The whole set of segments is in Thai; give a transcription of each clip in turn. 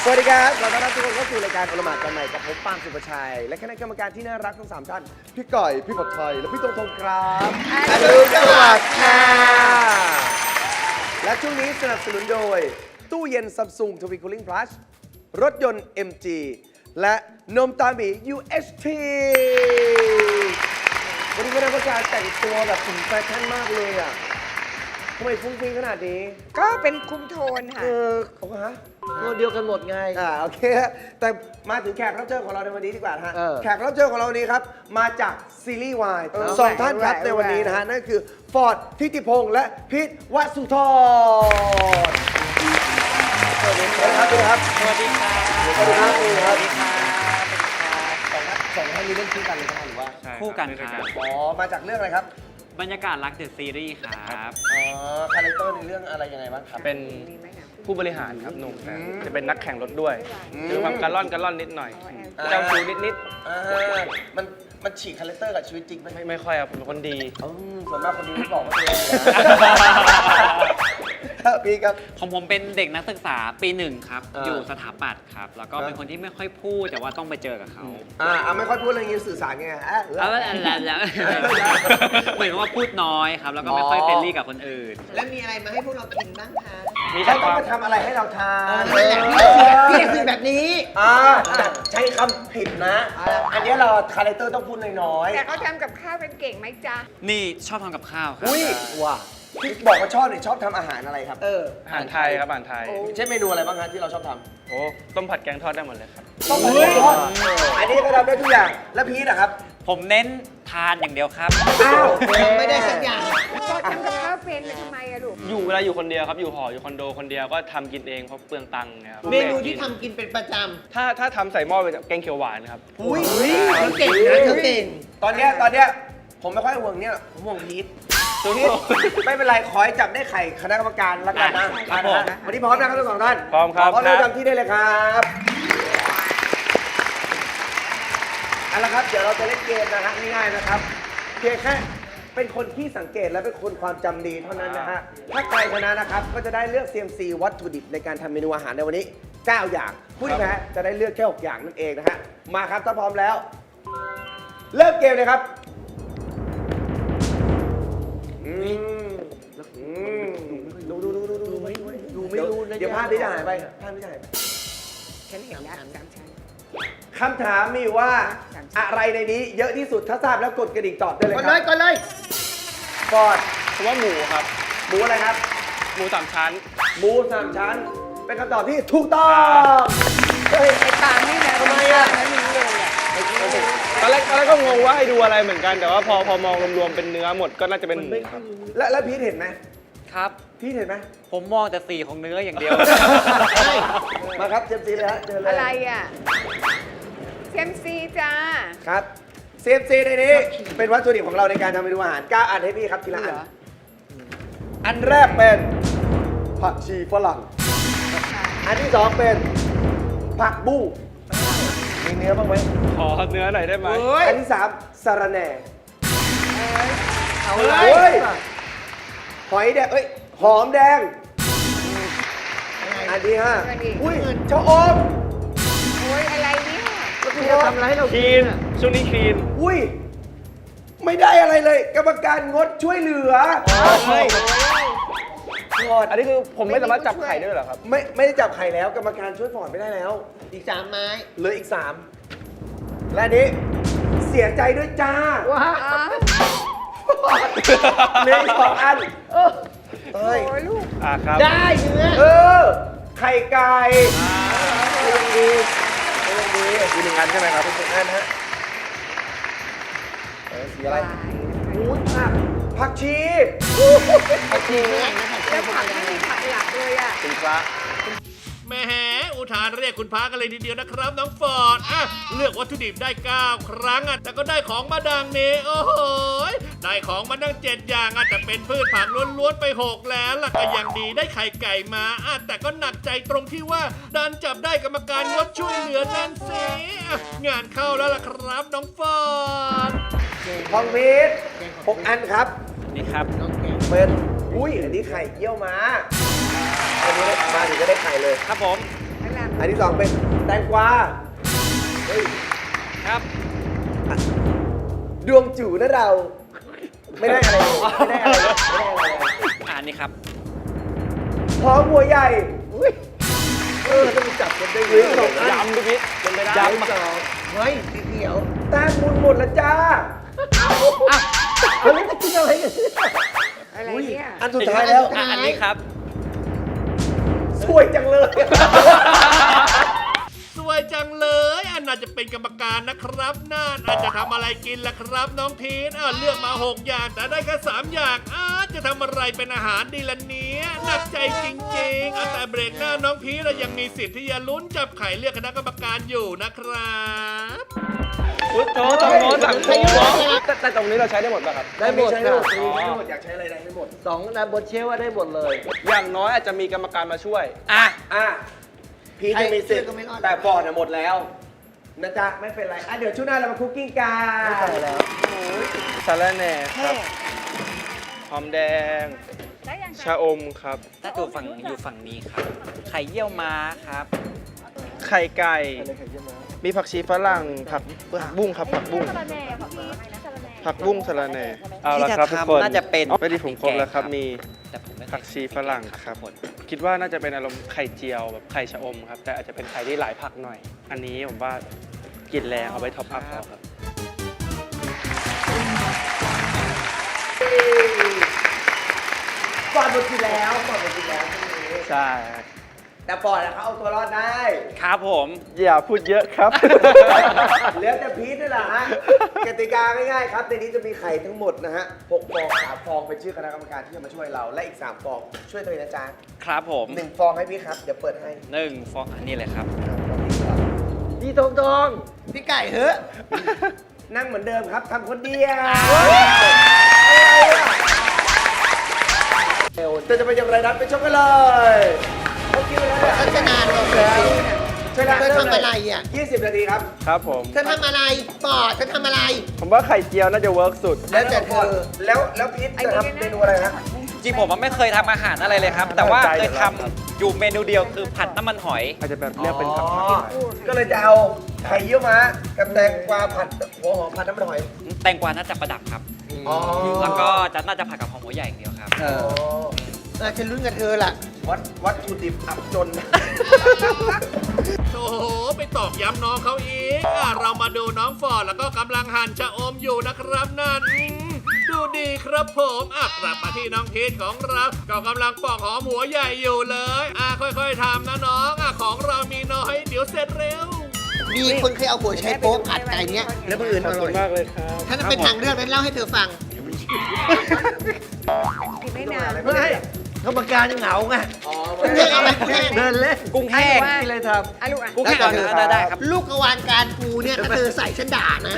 สวัสดีครับขอต้อนรับทุกคนเข้าสู่รายการโอละหมาดกันใหม่กับผมปาล์มสุภชัยและคณะกรรมการที่น่ารักทั้ง3ท่านพี่ก่อยพี่ผัดไทยและพี่ตงครับอรุณสวัสดิ์ค่ะและช่วงนี้สนับสนุนโดยตู้เย็น Samsung Twin Cooling Plus รถยนต์ MG และนมตาหมี UHT วันนี้คณะกรรมการแต่งตัวแบบถึงแฟชั่นมากเลยอ่ะทำไมฟุ้งฟิ้งขนาดนี้ก็เป็นคุมโทนค่ะเขาฮะตัวเดียวกันหมดไงโอเคแต่มาถึงแขกรับเชิญของเราในวันนี้ดีกว่านะฮะแขกรับเชิญของเราวันนี้ครับมาจากซีรีส์วายสองท่านครับในวันนี้นะฮะนั่นคือฟอร์ดทิติพงษ์และพิษวสุธรสวัสดีครับสวัสดีครับสวัสดีครับสวัสดีครับสวัสดีครับสองท่านนี้เล่นคู่กันเลยครับหรือว่าคู่กันครับอ๋อมาจากเรื่องอะไรครับบรรยากาศรักเดอะซีรีส์ครับคาแรคเตอร์ในเรื่องอะไรยังไงบ้างครับเป็นผู้บริหารครับหนุ่มจะเป็นนักแข่งรถด้วยคือความการล่อนนิดหน่อยเจ้าชู้นิดมันฉีกคาแรคเตอร์กับชีวิตจริงไหมไม่ค่อยครับผมเป็นคนดีส่วนมากคนดีไม่บอกว่าตัวเองพี่ครับของผมเป็นเด็กนักศึกษาปี1ครับอยู่สถาปัตย์ครับแล้วก็เป็นคนที่ไม่ค่อยพูดแต่ว่าต้องไปเจอกับเขาไม่ค่อยพูดอะไรอย่างนี้สื่อสารไงแล้วเหมือนว่าพูดน้อยครับแล้วก็ไม่ค่อยเฟรนลี่กับคนอื่นแล้วมีอะไรมาให้พวกเรากินบ้างคะมีใครต้องมาทำอะไรให้เราทานพี่คือแบบนี้ใช้คำผิดนะอันนี้เราคาแรคเตอร์ต้องพูดน้อยๆแต่เขาทำกับข้าวเป็นเก่งไหมจ๊ะนี่ชอบทำกับข้าวครับอุ้ยว้าพี่บอกว่าชอบเนี่ยชอบทำอาหารอะไรครับอาหารไทยครับอาหารไทยเช่นเมนูอะไรบ้างครับที่เราชอบทำโอ้ต้มผัดแกงทอดได้หมดเลยครับต้มผัดแกงทอดอันนี้ก็ทำได้ทุกอย่างแล้วพีทอะครับผมเน้นทานอย่างเดียวครับไม่ได้สักอย่างก็ทำกับข้าวเป็นเลยทำไมอะลูกเวลาอยู่คนเดียวครับอยู่หออยู่คอนโดคนเดียวก็ทำกินเองเพราะเปลืองตังค์นะครับเมนูที่ทำกินเป็นประจำถ้าทำใส่หม้อเป็นแกงเขียวหวานครับอุ้ยเธอเก่งนะเธอเก่งตอนเนี้ยผมไม่ค่อยห่วงเนี่ยผมห่วงพีทไม่เป็นไรขอให้จับได้ไข่คณะกรรมการแล้วกันนะวันนี้พร้อมนะครับทั้งสองท่านพร้อมครับขอเริ่มจำที่ได้เลยครับเอาละครับเดี๋ยวเราจะเล่นเกมนะฮะง่ายๆนะครับเพียงแค่เป็นคนที่สังเกตและเป็นคนความจำดีเท่านั้นนะฮะถ้าใครชนะนะครับก็จะได้เลือก CMC วัตถุดิบในการทำเมนูอาหารในวันนี้9อย่างผู้ที่แพ้จะได้เลือกแค่6อย่างนั่นเองนะฮะมาครับถ้าพร้อมแล้วเริ่มเกมเลยครับดูไม่รู้เดี๋ยวภาพนี้จะหายไปฉันเห็นแล้ว3 ชั้นคำถามมีว่าอะไรในนี้เยอะที่สุดถ้าทราบแล้วกดกระดิ่งตอบได้เลยครับก่อนเลยฟอร์ดผมว่าหมูครับหมูอะไรครับหมู3 ชั้นหมู3 ชั้นเป็นคำตอบที่ถูกต้องไอ้ปานี่นะทำไมอ่ะตอนแรกก็งงว่าให้ดูอะไรเหมือนกันแต่ว่าพอมองรวมๆเป็นเนื้อหมดก็น่าจะเป็นหมูครับแล้วพีทเห็นไหมครับพีทเห็นไหมผมมองแต่สีของเนื้ออย่างเดียวมาครับเจมซีเลยฮะเจอเลยอะไรอ่ะเซมซีจ้าครับเซมซีในนี้เป็นวัตถุดิบของเราในการทำเมนูอาหาร9อันให้พี่ครับทีละอันแรกเป็นผักชีฝรั่งอันที่2เป็นผักบุ้งมีเนื้อบ้างไหมขอเนื้อหน่อยได้ไหมอันที่3สะระแหน่เอาเลยหอยแดงหอมแดงอันที่5อุ้ยชะอมโอ้ยอะไรเนี่ยแล้วคุณจะทำอะไรให้เราคีนช่วงนี้คีนอุ้ยไม่ได้อะไรเลยกรรมการงดช่วยเหลืออันนี้คือผมไม่สามารถจับไข่ได้เหรอครับไม่ได้จับไข่แล้วกรรมการช่วยฟอร์ดไม่ได้แล้วอีก3 ไม้เหลืออีก3และนี้เสียใจด้วยจ้าว้าเหลืออีก2 อันโอ้ยลูกครับได้เนื้อไข่ไก่ดีมี1 อันใช่ไหมครับ 1 อันฮะสีอะไรผักชีแล้วผักไม่มีผักหลักเลยอ่ะเป็นพระแหมอุทานเรียกคุณพระกันเลยทีเดียวนะครับน้องฟอร์ดเลือกวัตถุดิบได้9 ครั้งแต่ก็ได้ของมาดังนี้โอ้โหได้ของมาดัง7 อย่างแต่เป็นพืชผักล้วนๆไป6แล้วล่ะก็ยังดีได้ไข่ไก่มาแต่ก็หนักใจตรงที่ว่าดันจับได้กรรมการงดช่วยเหลือนั่นสิงานเข้าแล้วล่ะครับน้องฟอร์ดทองพีช6 อันครับนี่ครับเป็นอุ้ยอันนี้ไข่เยี่ยวม้าอันนี้มาถึงก็ได้ไข่เลยครับผมพระรามอันที่สองเป็นแตงกวาเฮ้ยครับดวงจู่นะเรา ไม่ได้อะไรเลยไม่ได้อะไรเลยไม่ได้อะไรเลยอันนี้ครับหอมหัวใหญ่อุ้ยต้องจับกันได้เลยสองอันยำดูพี่เป็นไปได้ยำสองเฮ้ยสีเขียวแต้มบุญหมดแล้วจ้าเฮ้ยจะกินอะไรกันอะไรเนี่ยอันสุดท้ายแล้วอันนี้ครับสวยจังเลยสวยจังเลยอันน่าจะเป็นกรรมการนะครับน่านอาจจะทำอะไรกินล่ะครับน้องพีทเลือกมา 6 อย่างแต่ได้แค่3 อย่างจะทำอะไรเป็นอาหารดีล่ะเนี้ยหนักใจจริงๆแต่เบรกหน้าน้องพีทยังมีสิทธิ์ที่จะลุ้นจับไข่เลือกคณะกรรมการอยู่นะครับพุทโธตรงโน้นสั่งโค้งแต่ตรงนี้เราใช้ได้หมดป่ะครับได้หมดใช้ได้ได้หหมมดดได้หมดอยากใช้อะไรได้หมดสองนะบนเชฟว่าได้หมดเลยอย่างน้อยอาจจะมีกรรมการมาช่วยอ่ะพีทยังมีสิทธิ์ใครก็ไม่รอดแต่ฟอร์ดหมดแล้วนะจ๊ะไม่เป็นไรเดี๋ยวช่วงหน้าเรามาคุกกิ้งกันไม่ไปแล้วสาระแหน่ครับหอมแดง ชะอมครับถ้าอยู่ฝั่งนี้ครับ ไข่เยี่ยวม้าครับไข่ไก่ มีผักชีฝรั่ง ผักบุ้งครับ ผักบุ้ง ผักบุ้งสะระแหน่ เอาละครับทุกคนน่าจะเป็นไม่ได้ผมครบแล้วครับ มีแต่ผมไม่เคยผักชีฝรั่งครับทุกนคิดว่าน่าจะเป็นอารมณ์ไข่เจียวแบบไข่ชะอมครับ แต่อาจจะเป็นไข่ที่หลายผักหน่อย อันนี้ผมว่ากินแรงเอาไว้ท็อปอัพเอาครับฟอร์ดหมดทีแล้วฟอร์ดหมดทีแล้วช่วงนี้ใช่แต่ฟอร์ดเขาเอาตัวรอดได้ครับผมอย่าพูดเยอะครับเหลือแต่พีทนี่แหละฮะกติกาง่ายๆครับในนี้จะมีไข่ทั้งหมดนะฮะ6 ฟอง3 ฟองเป็นชื่อคณะกรรมการที่จะมาช่วยเราและอีก3 ฟองช่วยตัวเองนะจ๊ะครับผม 1 ฟองให้พี่ครับเดี๋ยวเปิดให้ 1 ฟองอันนี้เลยครับพี่ตรงพี่ไก่เฮ้ยๆนั่งเหมือนเดิมครับทำคนเดียวจะเป็นอย่างไรนั้นไปชมกันเลยเขาคิดไว้แล้วเนี่ยพัฒนาเราเลยใช่แล้วเธอทำอะไรอ่ะ 20 นาทีครับครับผมเธอทำอะไรปอดเธอทำอะไรผมว่าไข่เจียวน่าจะเวิร์กสุดแล้วแต่เธอแล้วพีทจะทำเมนูอะไรฮะจริงผมไม่เคยทำอาหารอะไรเลยครับ แต่ว่าเคยทำอยู่เมนูเดียวคือผัดน้ำมันหอยอาจจะแบบเรียกเป็นผักก็เลยจะเอาไข่เยี่ยวม้ากับแตงกวาผัดหัวหอมผัดน้ำมันหอยแตงกวาน่าจะประดับครับอ๋อแล้วก็น่าจะผัดกับหอมหัวใหญ่อย่างเดียวครับฉันลุ้นกับเธอล่ะวัตถุดิบอับจนโอ้โหไปตอกย้ำน้องเขาอีกเรามาดูน้องฟอร์ดแล้วก็กำลังหั่นชะอมอยู่นะครับนั่นดูดีครับผมกลับมาที่น้องพีทของเราก็กำลังปอกหอมหัวใหญ่อยู่เลยค่อยๆทำนะน้องของเรามีน้อยเดี๋ยวเสร็จเร็วมีคนเคยเอาหัวใช้โป๊กผัดไก่เนี้ยแล้วมืออื่นขออบร่คุอยณมากเลยครับถ้าเป็นทางเลือกนั้นเล่าให้เธอฟังไม่นานไม่กรรมการยังเหงาไงคุณแห้งเอาไหมคุณแห้งเดินเล่นกุ้งแห้งนี่เลยทอ่ะลูกอ่ะกุ้งแห้งได้ครับลูกกระวานการปูเนี่ยถ้าเธอใส่ฉันด่านะ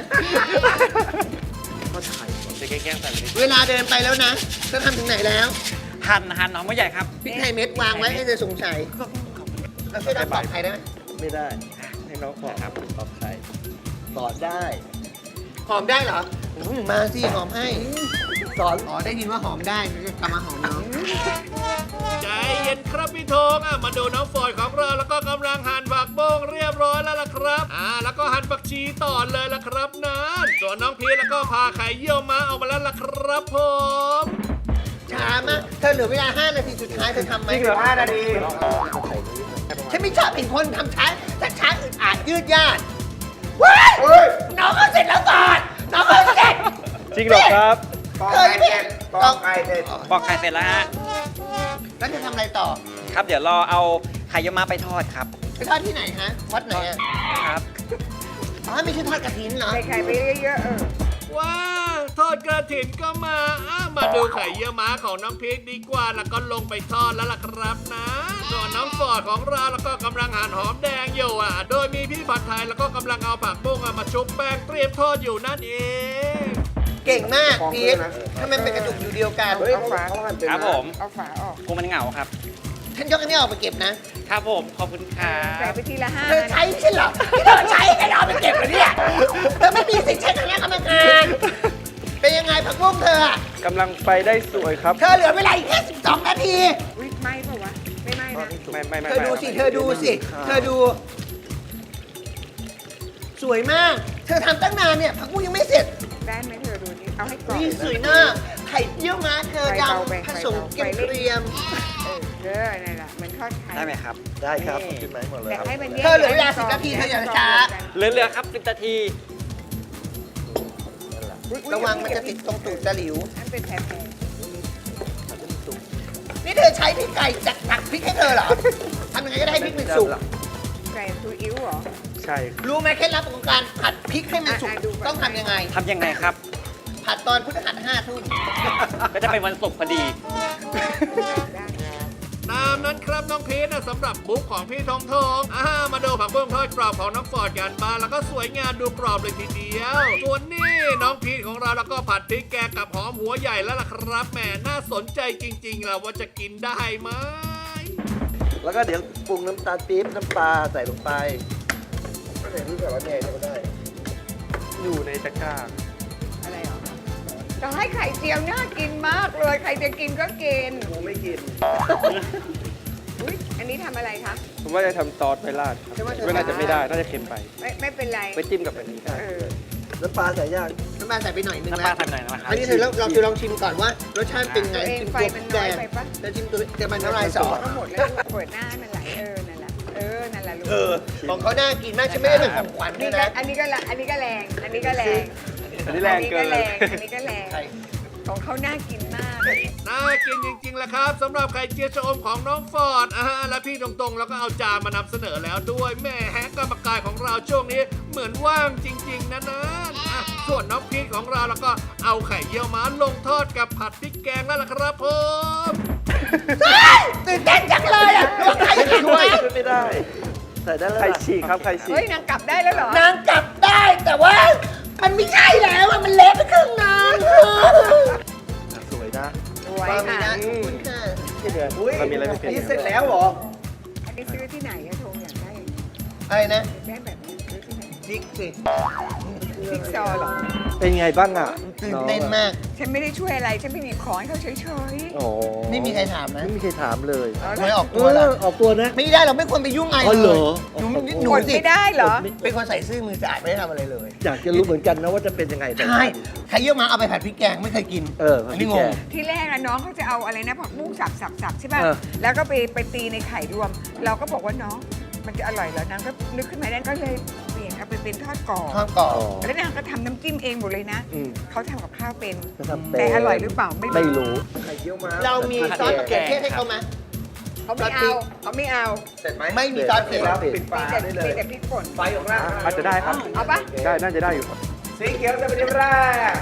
จะแกล้งใส่ไปดิเวลาเดินไปแล้วนะเธอทำถึงไหนแล้วหั่นหอมหัวใหญ่ครับพริกไทยเม็ดวางไว้ให้เธอสงสัยแล้วช่วยดับปอกไข่ได้ไหมไม่ได้ ให้น้องขอครับตอบใครสอนได้หอมได้เหรอมาสิหอมให้สอนอ๋อได้ยินว่าหอมได้ก็กลับมาหอมน้องใจเย็นครับพี่ธงมาดูน้องฟอร์ดของเราแล้วก็กำลังหั่นผักบ้งเรียบร้อยแล้วล่ะครับแล้วก็หั่นผักชีต่อเลยล่ะครับนั้นส่วนน้องพีทแล้วก็พาไข่เยี่ยวม้าออกมาแล้วล่ะครับผมช้ามากเธอเหลือเวลา 5 นาทีสุดท้ายเธอทำไหมจริงเหรอ 5 นาทีฉันไม่ชอบเป็นคนทำช้าแต่ช้าอึดอัดยืดยาดว้ายเฮ้ยน้องก็เสร็จแล้วก่อนน้องก็เสร็จจริงเหรอครับปอกไข่เสร็จปอกไข่เสร็จปอกไข่เสร็จแล้วฮะแล้วจะทำอะไรต่อครับ เดี๋ยวรอเอาไข่เยี่ยวม้าไปทอดครับไปทอดที่ไหนฮะวัดไหนอ่ะครับอ๋อไม่ใช่ทอดกระถินเหรอใส่ไข่ไปเยอะๆว้าทอดกระถินก็มามาดูไข่เยี่ยวม้าของน้องพีทดีกว่าแล้วก็ลงไปทอดแล้วล่ะครับนะส่วนน้องฟอร์ดของเราแล้วก็กำลังหั่นหอมแดงอยู่โดยมีพี่ผัดไทยแล้วก็กำลังเอาผักบุ้งมาชุบแป้งเตรียมทอดอยู่นั่นเองเก่งมากพีททำไมเป็นกระจุกอยู่เดียวกันเฮ้ยเขาหั่นเป็นครับผมเอาฝาออกกูมันเหงาครับฉันยกอันนี้ออกไปเก็บนะครับผม ขอบคุณครัใส่บไปทีละเธอ 5 ใช้ใช่เหรอที่เธอใช้กันเอาไปเก็บเหรอเนี่ยเธอไม่มีสิทธิ์ใช้คณะกรรมการเป็นยังไงผักบุ้งเธออะกำลังไปได้สวยครับเธอเหลือเวลาอีกแค่12 นาทีวิทไหมเปล่าวะ ไม่ไหมอ๋ไม่เธอดูสิ เธอดูสิ เธอดู สวยมาก เธอทำตั้งนานเนี่ยผักบุ้งยังไม่เสร็จได้ไหมเธอดูนี่เอาให้กรอบนี่สวยมากไข่เยี่ยวม้าเธอดำผสมเกรียมนั่นแหละเหมือนทอดไข่ได้ไหมครับได้ครับกินไหมหมดเลยแต่ครับให้มันแยกเธอเหลือเวลา10 นาทีเธออย่าช้าเหลือครับ10 นาทีระวังมันจะติดตรงตูดตะหลิวนั่นเป็นแผลนี่เธอใช้พริกไก่จากตักพริกให้เธอเหรอทำยังไงก็ได้ให้พริกมันสุกไก่ซูอิ๊วเหรอใช่ครับรู้ไหมเคล็ดลับของการผัดพริกให้มันสุกดูก่อนต้องทำยังไงทำยังไงครับผัดตอนพฤหัส5 ทุ่มก็จะเป็นวันศุกร์พอดีได้ตามนั้นครับน้องพีทนะสำหรับบุ๊กของพี่ทองทองมาดูผักบุ้งทอดกรอบของน้องฟอร์ดกันบ้างแล้วก็สวยงามดูกรอบเลยทีเดียว ส่วนนี่น้องพีทของเราแล้วก็ผัดพริกแกงกับหอมหัวใหญ่แล้วล่ะครับแหมน่าสนใจจริงๆแล้วว่าจะกินได้ไหมแล้วก็เดี๋ยวปรุงน้ำตาลปี๊บน้ำปลาใส่ลงไปก็ใส่ที่แบบว่าแหน่ก็ได้อยู่ในตะกร้าอะไรเหรอจะให้ไข่เจียวน่ากินมากเลย ใครจะกินก็กินกูไม่กินอุ๊ย อันนี้ทำอะไรคะผมว่าจะทำซอสไปราดครับไม่น่าจะไม่ได้ น่าจะเค็มไปไม่เป็นไรไปจิ้มกับอันนี้ได้เออน้ำปลาใส่ย่างน้ำปลาใส่ไปหน่อยนึงน้ำนะปลาทำหน่อยนะครับอันนี้เธอลองชิมก่อนว่ารสชาติเป็นไงตัวเองชิมไฟตัวมันน้แดอยงไปปะแล้วชิมตัวจะมันน้ำลายสอก็หมดแล้วเปิดหน้าให้มันไหลนั่นแหละนั่นแหละลูกของเขาน่ากินมากฉันไม่ได้เป็นของขวัญด้วยนะอันนี้ก็แรงอันนี้ก็แรงอันนี้แรงเกินอันนี้ก็แรง ของเขาน่ากินมากน่ากินจริงๆแหละครับสำหรับไข่เจียวชะอมของน้องฟอร์ดและพี่ตรงๆแล้วก็เอาจานมานำเสนอแล้วด้วยแม่กรรมการของเราช่วงนี้เหมือนว่างจริงๆนะส่วนน้องพีทของเราแล้วก็เอาไข่เยี่ยวม้าลงทอดกับผัดพริกแกงแล้วล่ะครับผมตื่นเต้นจังเลยอ่ะว่าใครไม่กินช่วยไหมช่วยไม่ได้ ใส่ได้แล้วไข่ล่ะฉีกครับ ไข่ฉีเฮ้ยกนางกลับได้แล้วเหรอนางกลับได้แต่ว่า มันไม่ใช่แล้วอะมันเละไปครึ่งนางสวยนะสวยความมีค่ะนะขอบคุณค่ะอุ้ยมันมีอะไรไม่เป็นนี่เสร็จแล้วเหรออันนี้ซื้อที่ไหนอะโทงอยากได้อะไรนะได้แบบนี้ซื้อที่ไหนพริกสิซิกซอว์เหรอเป็นไงบ้างอ่ะตื่นเต้นมากฉันไม่ได้ช่วยอะไร ฉันไม่มีของให้เขาเฉยโอ้ไม่มีใครถามนะไม่มีใครถามเลยๆเอาไม่ละออกตัวละออกตัวนะไม่ได้เราไม่ควรไปยุ่งอะไรอ๋อเหรเลอยหนูกดสิไม่ได้เหรอเป็นคนใส่ซื่อมือสะอาดไม่ได้ทำอะไรเลยอยากจะรู้เหมือนกันนะว่าจะเป็นยังไงแต่ใช่ใครเยี่ยวมาเอาไปผัดพริกแกงไม่เคยกินผัดนพรินี้กงแกงงที่แรกอะน้องเขาจะเอาอะไรนะผักบุ้งสับใช่ป่ะเออแล้วก็ไปตีในไข่รวม เราก็บอกว่าน้องมันจะอร่อยเหรอนางก็นึกขึ้นมาได้ก็เลยเปลี่ยนเอาไปเป็นทอดกรอบข้าวกรอบแล้วนางก็ทำน้ำจิ้มเองหมดเลยนะอืมเขาทำกับข้าวเป็นจะทำเป็นแต่อร่อยหรือเปล่าไม่ไม่รู้รู้ไข่เยี่ยวม้าเรามีซอสมะเขือเทศให้เขาไหมเขาไม่เอาเขาไม่เอาเสร็จไหมไม่มีซอสเผ็ดแล้วปิดฝาแต่ได้เลยแต่พริกป่นไฟของเราอาจจะได้ครับเอาปะได้ น่าจะได้อยู่ครับสีเขียวจะเป็นที่แรก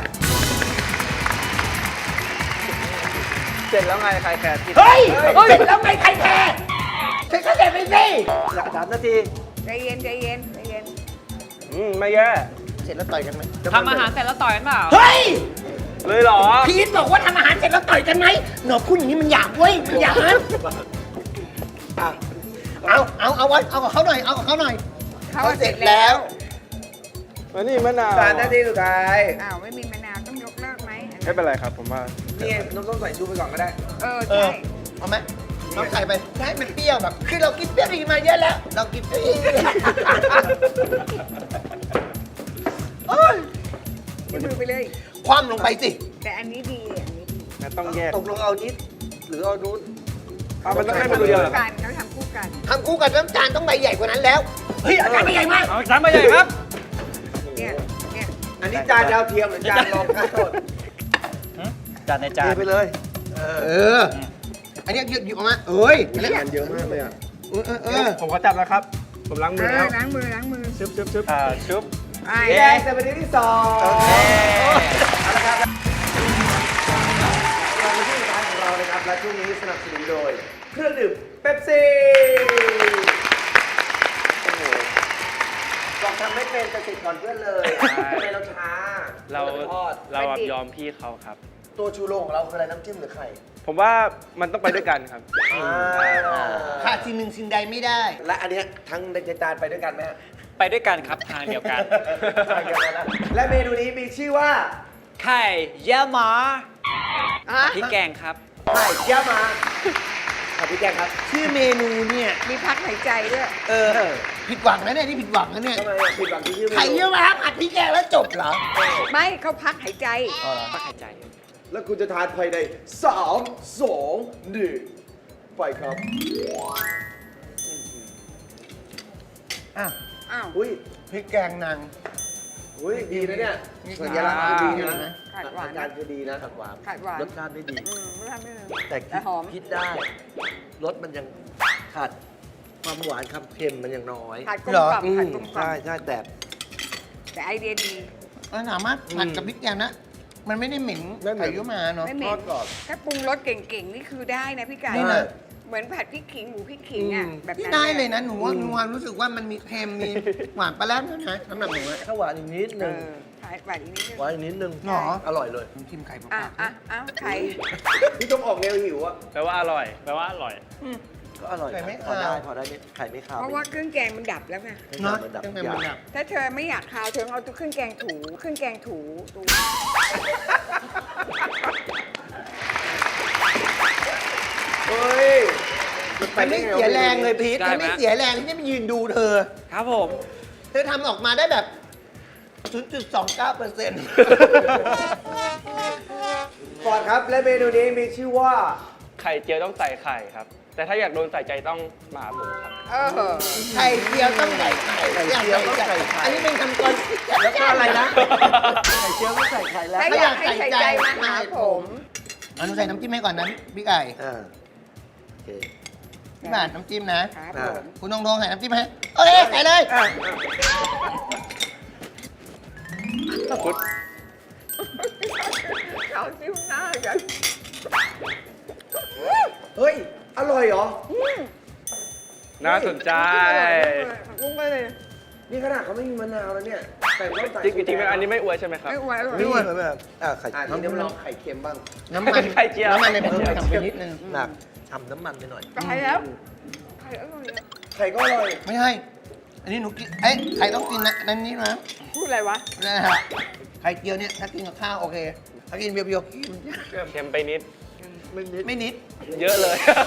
เสร็จแล้วไงใครแคร์ที่เฮ้ยเสร็จแล้วไงใครแคร์ฉันเข้าใจไปสิอยาก3 นาทีใจเย็นใจเย็นใจเย็นไม่แย่เสร็จแล้วต่อยกันไหมทำอาหารเสร็จแล้วต่อยกันเปล่าเฮ้ยเลยเหรอพีทบอกว่าทำอาหารเสร็จแล้วต่อยกันไหมหนอพูดอย่างนี้มันหยาบเว้ยมันหยาบเอาไว้เอากับเขาหน่อยเอากับเขาหน่อยเขาเสร็จแล้วมานี่มะนาว 3 นาทีสุดท้ายอ้าวไม่มีมะนาวต้องยกเลิกไหมไม่เป็นไรครับ ผมว่านี่ไงน้องต้องใส่ชูไปก่อนก็ได้เออเอใช่อเอาไหมน้องใส่ไปให้มันเปรี้ยวแบบ คือเรากินเปรี้ยวดีมาเยอะแล้ว เรากินเปรี้ยวโอ้ยยกมือไปเลยคว่ำลงไปสิแต่อันนี้ดีอันนี้ดีต้องแยกตกลงเอานิดหรือเอานู้นมันต้องให้มันดูเดียวเหรอคู่กันเขาทำคู่กันทำคู่กับน้ำจานต้องใบใหญ่กว่านั้นแล้ว เฮ้ยอาจารย์ใบใหญ่มากเอาจานมาใหญ่ครับเนี่ยเนี่ยอันนี้จานดาวเทียมหรือจานรองข้าวโทษจานในจานเทไปเลยเออ อันนี้หยิบออกมาเอ้ยมันเยอะมากเลยอ่ะผมขอจับนะครับ ผมล้างมือแล้วล้างมือชุบชุบไอ้แดงจะเป็นที่สองเอาละครับเราเป็นช่วงสุดท้ายของเรานะครับ และช่วงนี้สนับสนุนโดย เครื่องดื่มเป๊ปซี่โอ้โหบอกทำไม่เป็นแต่ติดก่อนเพื่อนเลยทำไมเราช้าเราทอดยอมพี่เขาครับตัวชูโรงของเราคืออะไรน้ำจิ้มหรือไข่ผมว่ามันต้องไปด้วยกันครับขาดสิ่งหนึ่งสิ่งใดไม่ได้และอันเนี้ยทั้งในจานไปด้วยกันไหมฮะไปด้วยกันครับทางเดียวกันใช่กันแล้วนะและเมนูนี้มีชื่อว่าไข่เยี่ยวม้าฮะพริกแกงครับไข่ย่ามาผัดพริกแกงครับชื่อเมนูเนี่ยมีพักหายใจด้วยผิดหวังนะเนี่ยนี่ผิดหวังนะเนี่ยทำไมอ่ะผิดหวังที่ชื่อเมนูไข่เยี่ยวม้าผัดพริกแกงแล้วจบเหรอไม่เขาพักหายใจปักหายใจแล้วคุณจะทานภายใน3 2 1ไปครับอ้าวอ้าวอุ้ยพริกแกงนางอุ้ยดีนะเนี่ยนี่สัญลักษณ์คือดีนะขาดหวานอาการคือดีนะผัดหวานขาดหวานรสชาติไม่ดีไม่ทำไม่เลยแต่แต่หอมคิดได้รสมันยังขาดความหวานความเค็มมันยังน้อยขาดกลมเหรอกล่อมขาดกลมกล่อใช่มใช่แต่แต่ไอเดียดีสามารถผัดกับพริกแกงนะ มันไม่ได้เหม็นไม่เหม็นไข่เยี่ยวม้าเนาะไม่เหม็ทอน ดกรอบถ้าปรุงรสเก่งๆ นี่คือได้นะพี่ไก่นี่นะเหมือนผัดพริกขิงหมูพริกขิงอ่ะ แบบนี่นั้นได้เลยนะหนูว่าหนูว่ารู้สึกว่ามันมีเค็มมีหวานปลาแรมด้วยนะสำหรับหนูอะถ้าหวานอีกนิดเอนึงอขายหวานอีกนิดนึงหวานอีกนิดนึงหรออร่อยเลยชิมไข่เปอ่ะล่าอ่ะไข่พี่ต้องออกแนวหิวอะแปลว่าอร่อย แปลว่าอร่อยก็อร่อยไข่ไม่พอคาวได้พอได้ไม่ไข่ไม่ขาวเพราะว่าเครื่องแกงมันดับแล้วไงเนาะมันดับเป็นยาแบบถ้าเธอไม่อยากคาวเธอเอาตัวเครื่องแกงถูเครื่องแกงถูตัวเฮ้ยมันไม่เสียแรงเลยพีทได้มันไหมไม่เสียแรงที่จะไปยืนดูเธอครับผมเธอทำออกมาได้แบบ 0.29% ฟอร์ดครับ และเมนูนี้มีชื่อว่าไข่เจียวต้องใส่ไข่ครับ แต่ถ้าอยากโดนใส่ใจต้องมาหาผมครับเออไข่เจียวต้องใส่ไข่ไข่เจียวต้องใส่ไข่อันนี้เป็นคำกรแล้วก็อะไรนะไข่เจียวไม่ใส่ไข่แล้วถ้าอยากให้ใส่ใจมาหาผมเอาหนูใส่น้ำจิ้มให้ก่อนนะพี่ไก่อ่าโอเคพี่บาทน้ำจิ้มนะครับผมคุณตรงๆใส่น้ำจิ้มให้โอเคใส่เลยเขาจิ้มหน้ากันเฮ้ย อร่อยเหรอน่าสนใจกุ้งไปเลยนี่ขนาดเขาไม่มีมะนาวแล้วเนี่ยแต่ต้องใส่จริงๆอันนี้ไม่อวยใช่ไหมครับไม่ไหวหรอกนี่มันแบบไข่อ่ะเจียวทีนี้มาลองไข่เค็มบ้างน้ำมันไข่เจียวน้ำมันในเพิ่มทำไปนิดนึงหนักทำน้ำมันไปหน่อยตายแล้วไข่อร่อยอะไข่ก็อร่อยไม่ใช่ อันนี้หนูกินเอ้ยใครต้องกินนะนั่นนี้นะพูดอะไรวะนะฮะไข่เจียวเนี่ยถ้ากินกับข้าวโอเค ถ้ากินเบียวๆกินเค็มไปนิดไม่นิดเยอะเลย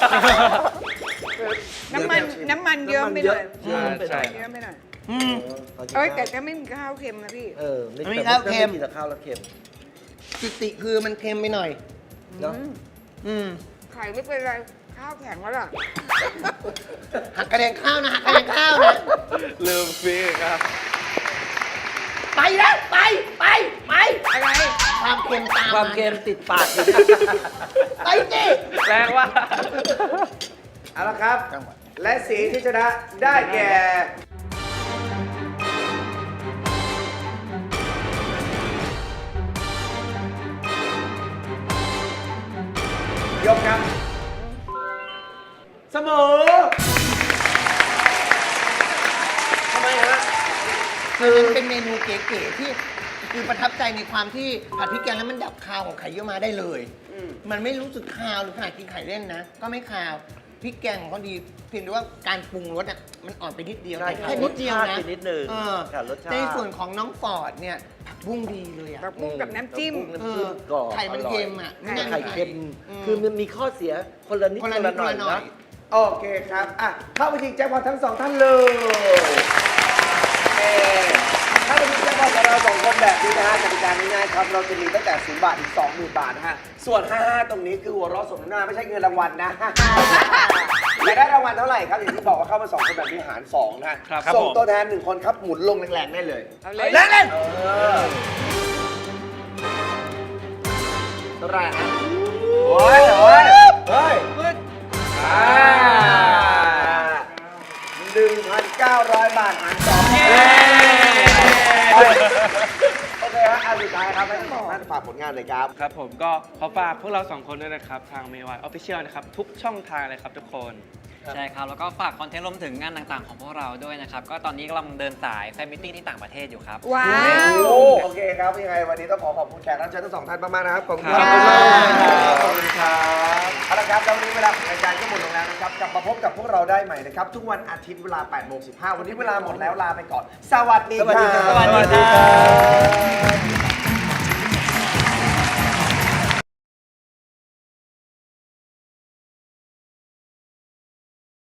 น้ำมันเยอะไปหน่อยเยอะไปหน่อยเยอะไปหน่อยอืมเอ้ยแต่ถ้าไม่มีข้าวเค็มนะพี่ไม่มีข้าวเค็มไม่กินแต่ข้าวแล้วเค็มจิติคือมันเค็มไปหน่อยเนาะอืมไข่ไม่เป็นไร ข้าวแข็งแล้วล่ะหักกระเด็นข้าวนะหักกระเด็นข้าวนะลืมฟิกครับไปนะไปอะไรความเค็มตามความเค็มติดปากอยู่ไปจิแรงว่าเอาละครับ และสีที่ชนะได้แก่ ยกครับ เสมอทำไมฮะคือมันเป็นเมนูเก๋ๆที่คือประทับใจในความที่ผัดพริกแกงแล้วมันดับคาวของไข่เยี่ยวม้าได้เลย มันไม่รู้สึกคาวหรือขนาดกินไข่เล่นนะ ก็ไม่คาวพริกแกงของเขาดีเพียงแต่ว่าการปรุงรสอ่ะมันอ่อนไปนิดเดียวใช่แต่แค่นิดเดียวรสชาตินะไปนิดนึงเออขาดรสชาติในส่วนของน้องฟอร์ดเนี่ยผักบุ้งดีเลยอ่ะผักบุ้งกับน้ำจิ้มเอน้ำอจิ้มกรอบไข่มันเค็มอ่ะอร่อยนั่นไข่เค็ม คือมันมีข้อเสียคนละนิดคนคละนนิละดหคน่นอยละหน่อนะยโอเคครับ อ่ะ เข้าไปชิงแจ็คพอตทั้งสองท่านเลย ถ้าเป็นแจ็คพอตของเราสองคนแบบนี้นะฮะกติกาง่ายๆครับ เราจะมีตั้งแต่0 บาทถึง 20,000 บาทนะฮะ ส่วน 55 ตรงนี้คือหัวเราะสมน้ำหน้าไม่ใช่เงินรางวัลนะ อยากได้รางวัลเท่าไหร่ครับ อย่างที่บอกว่าเข้ามา2คนแบบนี้หาร 2 นะฮะครับส่งผมตัวแทน 1 คนครับ หมุนลงแรงๆได้เลยเอาเลยเล่นเล่นเออเท่าไหร่ฮะโอ้ยโอ้ยเฮ้ย 1,900 บาทหารสองโอเคฮะอันสุดท้ายครับให้ทั้งสองท่านฝากผลงานเลยครับครับผมก็ขอฝากพวกเราสองคนด้วยนะครับ ทาง MY Official นะครับ ทุกช่องทางเลยครับทุกคนใช่ครับ แล้วก็ฝากคอนเทนต์รวมถึงงานต่างๆของพวกเราด้วยนะครับ ก็ตอนนี้กำลังเดินสายแฟนมิทติ้งที่ต่างประเทศอยู่ครับว้าวโอเคครับยังไงวันนี้ต้องขอบคุณแขกรับเชิญทั้งสองท่านมากๆนะครับ ขอบคุณขอบคุณมากขอบคุณครับเอาละครับแล้ววันนี้เวลาของรายการก็หมดลงแล้วนะครับ กลับมาพบกับพวกเราได้ใหม่นะครับ ทุกวันอาทิตย์เวลา 8:15 วันนี้เวลาหมดแล้วลาไปก่อน สวัสดีครับสวัสดีครับ